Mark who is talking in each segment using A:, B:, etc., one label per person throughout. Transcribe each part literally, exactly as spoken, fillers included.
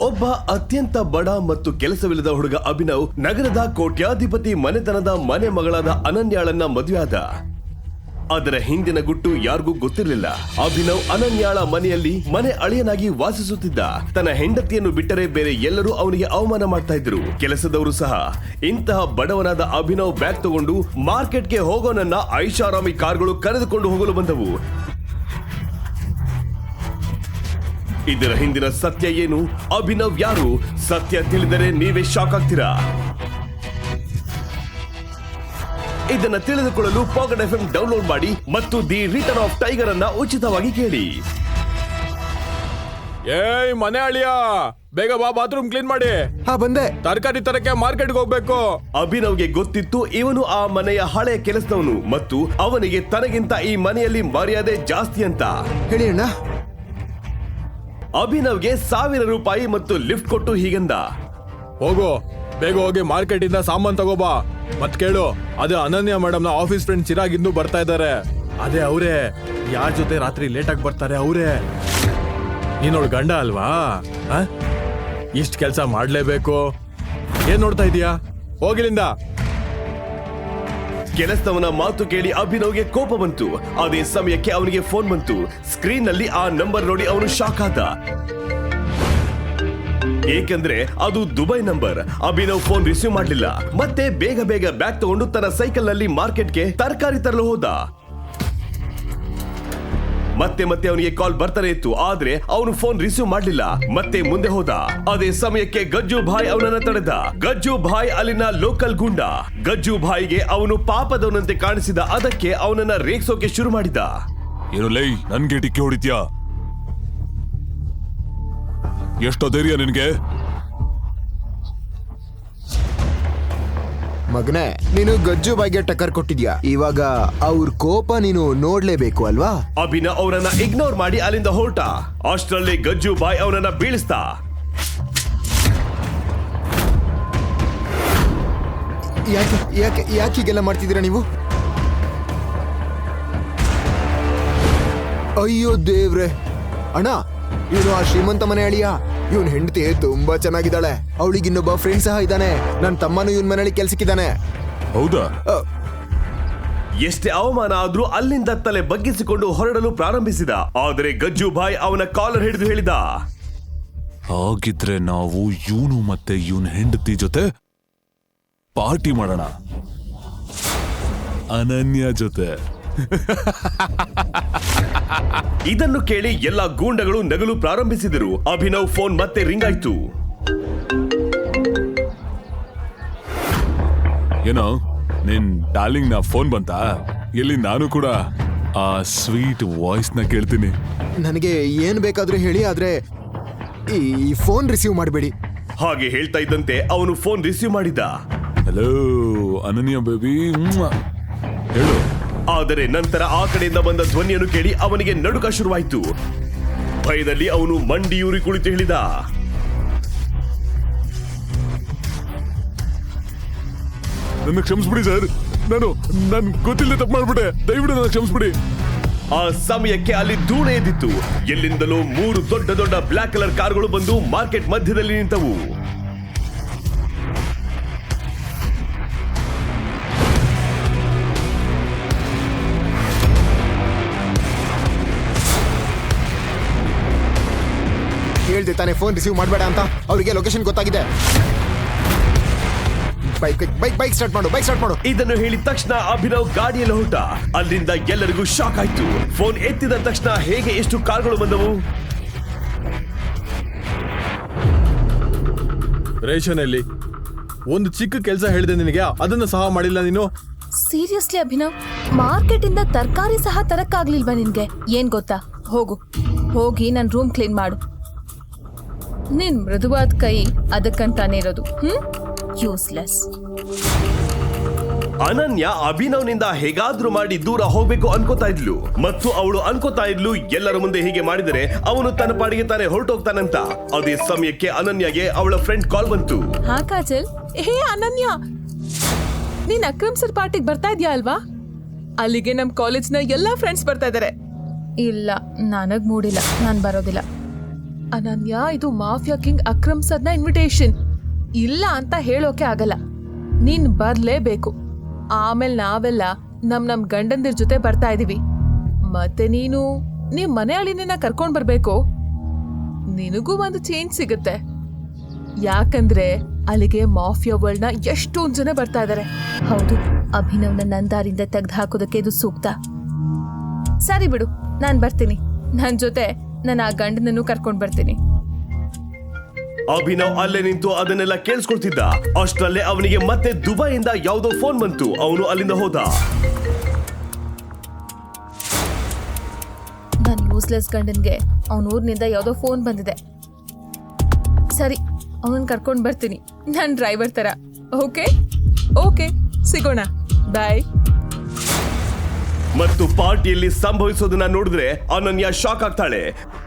A: ಒಬ್ಬ ಅತ್ಯಂತ ಬಡ ಮತ್ತು ಕೆಲಸವಿಲ್ಲದ ಹುಡುಗ ಅಭಿನವ್ ನಗರದ ಕೋಟ್ಯಾಧಿಪತಿ ಮನೆತನದ ಮನೆ ಮಗಳಾದ ಅನನ್ಯಾಳನ್ನ ಮದುವೆಯಾದ. ಅದರ ಹಿಂದಿನ ಗುಟ್ಟು ಯಾರಿಗೂ ಗೊತ್ತಿರಲಿಲ್ಲ. ಅಭಿನವ್ ಅನನ್ಯಾಳ ಮನೆಯಲ್ಲಿ ಮನೆ ಅಳಿಯನಾಗಿ ವಾಸಿಸುತ್ತಿದ್ದ. ತನ್ನ ಹೆಂಡತಿಯನ್ನು ಬಿಟ್ಟರೆ ಬೇರೆ ಎಲ್ಲರೂ ಅವನಿಗೆ ಅವಮಾನ ಮಾಡ್ತಾ ಇದ್ರು. ಕೆಲಸದವರು ಸಹ. ಇಂತಹ ಬಡವನಾದ ಅಭಿನವ್ ಬ್ಯಾಗ್ ತಗೊಂಡು ಮಾರ್ಕೆಟ್ಗೆ ಹೋಗೋನನ್ನ ಐಷಾರಾಮಿ ಕಾರ್ಗಳು ಕರೆದುಕೊಂಡು ಹೋಗಲು ಬಂದವು. ಇದರ ಹಿಂದಿನ ಸತ್ಯ ಏನು? ಅಭಿನವ್ ಯಾರು? ಸತ್ಯ ತಿಳಿದರೆ ನೀವೇ ಶಾಕ್ ಆಗ್ತೀರಾ. ಇದನ್ನ ತಿಳಿದುಕೊಳ್ಳಲು ಪಾಕೆಟ್ ಎಫ್ ಎಂ ಡೌನ್ಲೋಡ್ ಮಾಡಿ ಮತ್ತು ದಿ ರಿಟರ್ನ್ ಆಫ್ ಟೈಗರ್ ಅನ್ನ ಉಚಿತವಾಗಿ ಕೇಳಿ.
B: ಏಯ್ ಮನೆ ಅಳಿಯ, ಬೇಗ ಬಾ, ಬಾತ್ರೂಮ್ ಕ್ಲೀನ್ ಮಾಡಿ.
C: ಹಾ ಬಂದೆ.
B: ತರಕಾರಿ ತರಕ್ಕೆ ಮಾರ್ಕೆಟ್ಗೆ ಹೋಗ್ಬೇಕು.
A: ಅಭಿನವ್ಗೆ ಗೊತ್ತಿತ್ತು ಇವನು ಆ ಮನೆಯ ಹಳೆಯ ಕೆಲಸದವನು ಮತ್ತು ಅವನಿಗೆ ತನಗಿಂತ ಈ ಮನೆಯಲ್ಲಿ ಮರ್ಯಾದೆ ಜಾಸ್ತಿ ಅಂತ.
C: ಹೇಳಿ ಅಣ್ಣ.
A: ಅಭಿನವ್ಗೆ ಸಾವಿರ ರೂಪಾಯಿ ಮತ್ತು ಲಿಫ್ಟ್ ಕೊಟ್ಟು ಹೀಗಂದ,
B: ಹೋಗು, ಬೇಗ ಹೋಗಿ ಮಾರ್ಕೆಟ್ ಇಂದ ಸಾಮಾನ್ ತಗೋಬಾ. ಮತ್ ಕೇಳು, ಅದೇ ಅನನ್ಯ ಮೇಡಮ್ ನ ಆಫೀಸ್ ಫ್ರೆಂಡ್ ಚಿರಾಗ್ ಇನ್ನೂ ಬರ್ತಾ ಇದ್ದಾರೆ. ಅದೇ ಅವರೇ, ಯಾರ ಜೊತೆ ರಾತ್ರಿ ಲೇಟ್ ಆಗಿ ಬರ್ತಾರೆ ಅವರೇ. ನೀನೋಳ್ ಗಂಡ ಅಲ್ವಾ? ಇಷ್ಟ ಕೆಲ್ಸ ಮಾಡ್ಲೇಬೇಕು. ಏನ್ ನೋಡ್ತಾ ಇದೀಯಾ? ಹೋಗಿಲಿಂದ.
A: ಕೆಲಸದವನ ಮಾತು ಕೇಳಿ ಅಭಿನವ್ಗೆ ಕೋಪ ಬಂತು. ಅದೇ ಸಮಯಕ್ಕೆ ಅವನಿಗೆ ಫೋನ್ ಬಂತು. ಸ್ಕ್ರೀನ್ ನಲ್ಲಿ ಆ ನಂಬರ್ ನೋಡಿ ಅವನು ಶಾಕ್ ಆದ, ಏಕೆಂದ್ರೆ ಅದು Dubai number. Abhinav phone receive ಮಾಡಲಿಲ್ಲ. ಮತ್ತೆ ಬೇಗ ಬೇಗ ಬ್ಯಾಗ್ ತಗೊಂಡು ತನ್ನ ಸೈಕಲ್ ನಲ್ಲಿ ಮಾರ್ಕೆಟ್ಗೆ ತರಕಾರಿ ತರಲು ಹೋದ. ಮತ್ತೆ ಮತ್ತೆ ಅವನಿಗೆ ಕಾಲ್ ಬರ್ತಾನೆ ಇತ್ತು, ಆದ್ರೆ ಅವನು ಫೋನ್ ರಿಸೀವ್ ಮಾಡಲಿಲ್ಲ. ಮತ್ತೆ ಮುಂದೆ ಹೋದ. ಅದೇ ಸಮಯಕ್ಕೆ ಗಜ್ಜು ಭಾಯ್ ಅವನನ್ನ ತಡೆದ. ಗಜ್ಜು ಭಾಯ್ ಅಲ್ಲಿನ ಲೋಕಲ್ ಗುಂಡ. ಗಜ್ಜು ಭಾಯ್ಗೆ ಅವನು ಪಾಪದವನಂತೆ ಕಾಣಿಸಿದ. ಅದಕ್ಕೆ ಅವನನ್ನ ರೇಗ್ಸೋಕೆ ಶುರು ಮಾಡಿದ.
D: ಏನು ಲೈ, ನನ್ಗೆ ಟಿಕ್ಕೆ ಹೊಡಿತ್ಯಾ? ಎಷ್ಟೋ ಧೈರ್ಯ ನಿನ್ಗೆ?
C: ಮಗನೇ, ನೀನು ಗಜ್ಜು ಬಾಯಿಗೆ ಟಕ್ಕರ್ ಕೊಟ್ಟಿದ್ಯಾ. ಇವಾಗ ಅವ್ರ ಕೋಪ ನೀನು ನೋಡ್ಲೇಬೇಕು ಅಲ್ವಾ?
A: ಅಭಿನವ್ ಅವರನ್ನ ಇಗ್ನೋರ್ ಮಾಡಿ ಅಲ್ಲಿಂದ ಹೊರಟ. ಅಷ್ಟರಲ್ಲಿ ಗಜ್ಜು ಬಾಯ್ ಅವನನ್ನ ಬೀಳಿಸ್ತಾ.
C: ಯಾಕೆ ಯಾಕೆ ಯಾಕೆ ಹೀಗೆಲ್ಲ ಮಾಡ್ತಿದ್ದೀರಾ ನೀವು? ಅಯ್ಯೋ ದೇವ್ರೆ. ಅಣ್ಣ, ಇವನು ಆ ಶ್ರೀಮಂತ ಮನೆ ಅಳಿಯ. ಇವನ್ ಹೆಂಡತಿ ತುಂಬಾ ಚೆನ್ನಾಗಿದ್ದಾಳೆ. ಅವಳಿಗೆ ಇನ್ನೊಬ್ಬ ಫ್ರೆಂಡ್ ಸಹ ಇದ್ದಾನೆ. ನನ್ನ ತಮ್ಮನು ಇವನ್ ಮನೆಯಲ್ಲಿ ಕೆಲ್ಸಕ್ಕಿದ್ದಾನೆ.
D: ಹೌದಾ?
A: ಎಷ್ಟೇ ಅವಮಾನ ಆದ್ರೂ ಅಲ್ಲಿಂದ ತಲೆ ಬಗ್ಗಿಸಿಕೊಂಡು ಹೊರಡಲು ಪ್ರಾರಂಭಿಸಿದ. ಆದರೆ ಗಜ್ಜು ಭಾಯ್ ಅವನ ಕಾಲರ್ ಹಿಡಿದು ಹೇಳಿದ,
D: ಹಾಗಿದ್ರೆ ನಾವು ಇವನು ಮತ್ತೆ ಇವನ್ ಹೆಂಡತಿ ಜೊತೆ ಪಾರ್ಟಿ ಮಾಡೋಣ, ಅನನ್ಯ ಜೊತೆ.
A: ಇದನ್ನು ಕೇಳಿ ಎಲ್ಲ ಗೂಂಡಗಳು ನಗಲು ಪ್ರಾರಂಭಿಸಿದರು. ಅಭಿನವ್ ಫೋನ್ ಮತ್ತೆ ರಿಂಗ್ ಆಯ್ತು.
D: ಏನೋ ನಿನ್ ಡಾರ್ಲಿಂಗ್ ನ ಫೋನ್ ಬಂತಾ? ಇಲ್ಲಿ ನಾನು ಕೂಡ ಆ ಸ್ವೀಟ್ ವಾಯ್ಸ್ ನ ಕೇಳ್ತೀನಿ.
C: ನನಗೆ ಏನ್ ಬೇಕಾದ್ರೂ ಹೇಳಿ, ಆದ್ರೆ ಈ ಫೋನ್ ರಿಸೀವ್ ಮಾಡಬೇಡಿ.
A: ಹಾಗೆ ಹೇಳ್ತಾ ಇದ್ದಂತೆ ಅವನು ಫೋನ್ ರಿಸೀವ್ ಮಾಡಿದ.
D: ಹಲೋ ಅನನ್ಯ ಬೇಬಿ, ಹೇಳು.
A: ಆದರೆ ನಂತರ ಆ ಕಡೆಯಿಂದ ಬಂದ ಧ್ವನಿಯನ್ನು ಕೇಳಿ ಅವನಿಗೆ ನಡುಕ ಶುರುವಾಯಿತು. ಭಯದಲ್ಲಿ ಅವನು ಮಂಡಿಯೂರಿ ಕುಳಿತು ಹೇಳಿದ,
D: ನನ್ನ ಕ್ಷಮಿಸ್ಬಿಡಿ ಸರ್, ನಾನು ನನ್ ಗೊತ್ತಿಲ್ಲ ತಪ್ಪು ಮಾಡ್ಬಿಟ್ಟೆ, ದಯವಿಟ್ಟು ನನ್ನ ಕ್ಷಮಿಸ್ಬಿಡಿ.
A: ಆ ಸಮಯಕ್ಕೆ ಅಲ್ಲಿ ಧೂಳು ಎದ್ದಿತ್ತು. ಎಲ್ಲಿಂದಲೂ ಮೂರು ದೊಡ್ಡ ದೊಡ್ಡ ಬ್ಲಾಕ್ ಕಲರ್ ಕಾರ್ಗಳು ಬಂದು ಮಾರ್ಕೆಟ್ ಮಧ್ಯದಲ್ಲಿ ನಿಂತವು.
C: ಹೇಳ್ದೆ ತಾನೇ ಫೋನ್ ರಿಸೀವ್ ಮಾಡಬೇಡ ಅಂತ. ಅವರಿಗೆ ಲೊಕೇಶನ್ ಗೊತ್ತಾಗಿದೆ. ಬೈಕ್ ಬೈಕ್ ಬೈಕ್ ಸ್ಟಾರ್ಟ್ ಮಾಡು, ಬೈಕ್ ಸ್ಟಾರ್ಟ್ ಮಾಡು.
A: ಇದನ್ನು ಹೇಳಿದ ತಕ್ಷಣ ಅಭಿನವ್ ಗಾಡಿಯಲ್ಲಿ ಹೊರಟ. ಅಲ್ಲಿಂದ ಎಲ್ಲರಿಗೂ ಶಾಕ್ ಆಯ್ತು. ಫೋನ್ ಎತ್ತಿದ ತಕ್ಷಣ ಹೇಗೆ ಎಷ್ಟು ಕಾರ್ಗಳು ಬಂದವು.
B: ರೇಷನಲ್ಲಿ ಒಂದು ಚಿಕ್ಕ ಕೆಲಸ ಹೇಳಿದೆ ನಿನಗೆ, ಅದನ್ನ ಸಹ ಮಾಡಿಲ್ಲ ನೀನು.
E: ಸೀರಿಯಸ್ಲಿ ಅಭಿನವ್, ಮಾರ್ಕೆಟ್ ಇಂದ ತರಕಾರಿ ಸಹ ತರಕ್ಕಾಗ್ಲಿಲ್ವಾ ನಿನ್ಗೆ? ಏನ್ ಗೊತ್ತಾ, ಹೋಗು ಹೋಗಿ ನನ್ ರೂಮ್ ಕ್ಲೀನ್ ಮಾಡು. ನಿನ್ ಮೃದುವಾದ ಕೈ ಅದಕ್ಕಂತಾನೆ ಇರೋದು. Hmm useless.
A: ಅನನ್ಯ ಅಭಿನವ್ನಿಂದ ಹೇಗಾದ್ರೂ ಮಾಡಿ ದೂರ ಹೋಗ್ಬೇಕು ಅನ್ಕೋತಾ ಇದ್ಲು. ಮತ್ತು ಅವಳು ಅನ್ಕೋತಾ ಇದ್ಲು, ಎಲ್ಲರ ಮುಂದೆ ಹೀಗೆ ಮಾಡಿದರೆ ಅವನು ತನ್ನ ಪಾಡಿಗೆ ತಾನೇ ಹೊರಟೋಗ್ತಾನಂತ. ಅದೇ ಸಮಯಕ್ಕೆ ಅನನ್ಯಗೆ ಅವಳ ಫ್ರೆಂಡ್ ಕಾಲ್ ಬಂತು.
F: ಹಾ ಕಾಜಲ್. ಹೇ ಅನನ್ಯ, ನೀನ್ ಅಕ್ರಮ್ ಸರ್ ಪಾರ್ಟಿಗೆ ಬರ್ತಾ ಇದ್ಯಾ ಅಲ್ವಾ? ಅಲ್ಲಿಗೆ ನಮ್ ಕಾಲೇಜ್ ನ ಎಲ್ಲಾ ಫ್ರೆಂಡ್ಸ್ ಬರ್ತಾ ಇದಾರೆ.
E: ಇಲ್ಲ, ನನಗ್ ಮೂಡಿಲ್ಲ, ನಾನ್ ಬರೋದಿಲ್ಲ.
F: ಅನನ್ಯ, ಇದು ಮಾಫಿಯಾ ಕಿಂಗ್ ಅಕ್ರಮ್ ಸರ್ನ ಇನ್ವಿಟೇಷನ್. ಇಲ್ಲ ಅಂತ ಹೇಳೋಕೆ ಆಗಲ್ಲ. ನೀನ್ ಬರ್ಲೇಬೇಕು. ಆಮೇಲೆ ನಾವೆಲ್ಲ ನಮ್ ನಮ್ ಗಂಡಂದಿರ್ ಜೊತೆ ಬರ್ತಾ ಇದೀವಿ. ಮತ್ತೆ ನೀನು ನಿಮ್ ಮನೆ ಅಳಿನ ಕರ್ಕೊಂಡ್ ಬರ್ಬೇಕು. ನಿನಗೂ ಒಂದು ಚೇಂಜ್ ಸಿಗುತ್ತೆ. ಯಾಕಂದ್ರೆ ಅಲ್ಲಿಗೆ ಮಾಫಿಯಾ ವರ್ಲ್ಡ್ ನ ಎಷ್ಟೊಂದ್ ಜನ ಬರ್ತಾ ಇದಾರೆ.
E: ಹೌದು, ಅಭಿನವ್ನ ನನ್ ದಾರಿಂದ ತೆಗ್ದು ಹಾಕೋದಕ್ಕೆ ಇದು ಸೂಕ್ತ. ಸರಿ ಬಿಡು, ನಾನ್ ಬರ್ತೀನಿ. ನನ್ ಜೊತೆ ನಾನು ಆ ಗಂಡನನ್ನು ಕರ್ಕೊಂಡ್ ಬರ್ತೀನಿ.
A: ಅಭಿನವ್ ಅಲ್ಲೇ ನಿಂತು ಅದನ್ನೆಲ್ಲ ಕೇಳಿಸ್ಕೊಳ್ತಿದ್ದ. ಅಷ್ಟರಲ್ಲೇ ಅವನಿಗೆ ಮತ್ತೆ ದುಬೈಯಿಂದ ಯಾವುದೋ ಫೋನ್ ಬಂತು. ಅವನು ಅಲ್ಲಿಂದ ಹೋದ.
E: ನನ್ ಯೂಸ್ಲೆಸ್ ಗಂಡನ್ಗೆ ಅವನ ಊರ್ನಿಂದ ಯಾವುದೋ ಫೋನ್ ಬಂದಿದೆ. ಸರಿ, ಅವನನ್ನ ಕರ್ಕೊಂಡ್ ಬರ್ತೀನಿ, ನಾನ್ ಡ್ರೈವರ್ ತರ. ಓಕೆ
F: ಓಕೆ, ಸಿಗೋಣ. ಬಾಯ್.
A: ಮತ್ತು ಪಾರ್ಟಿಯಲ್ಲಿ ಸಂಭವಿಸೋದನ್ನ ನೋಡಿದ್ರೆ ಅನನ್ಯ ಶಾಕ್ ಆಗ್ತಾಳೆ.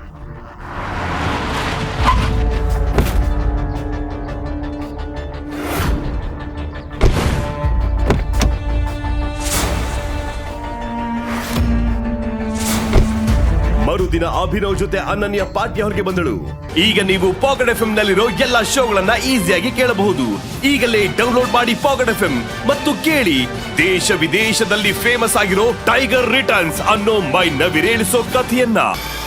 A: ಮರುದಿನ ಅಭಿನವ್ ಜೊತೆ ಅನನ್ಯ ಪಾರ್ಟಿ ಹೊರಗೆ ಬಂದಳು. ಈಗ ನೀವು ಪಾಕೆಟ್ ಎಫ್ ಎಂ ನಲ್ಲಿರೋ ಎಲ್ಲಾ ಶೋಗಳನ್ನ ಈಸಿಯಾಗಿ ಕೇಳಬಹುದು. ಈಗಲೇ ಡೌನ್ಲೋಡ್ ಮಾಡಿ ಪಾಕೆಟ್ ಎಫ್ ಎಂ ಮತ್ತು ಕೇಳಿ ದೇಶ ವಿದೇಶದಲ್ಲಿ ಫೇಮಸ್ ಆಗಿರೋ ಟೈಗರ್ ರಿಟರ್ನ್ಸ್ ಅನ್ನೋ ಮೈ ನವಿರೇಳಿಸೋ ಕಥೆಯನ್ನ.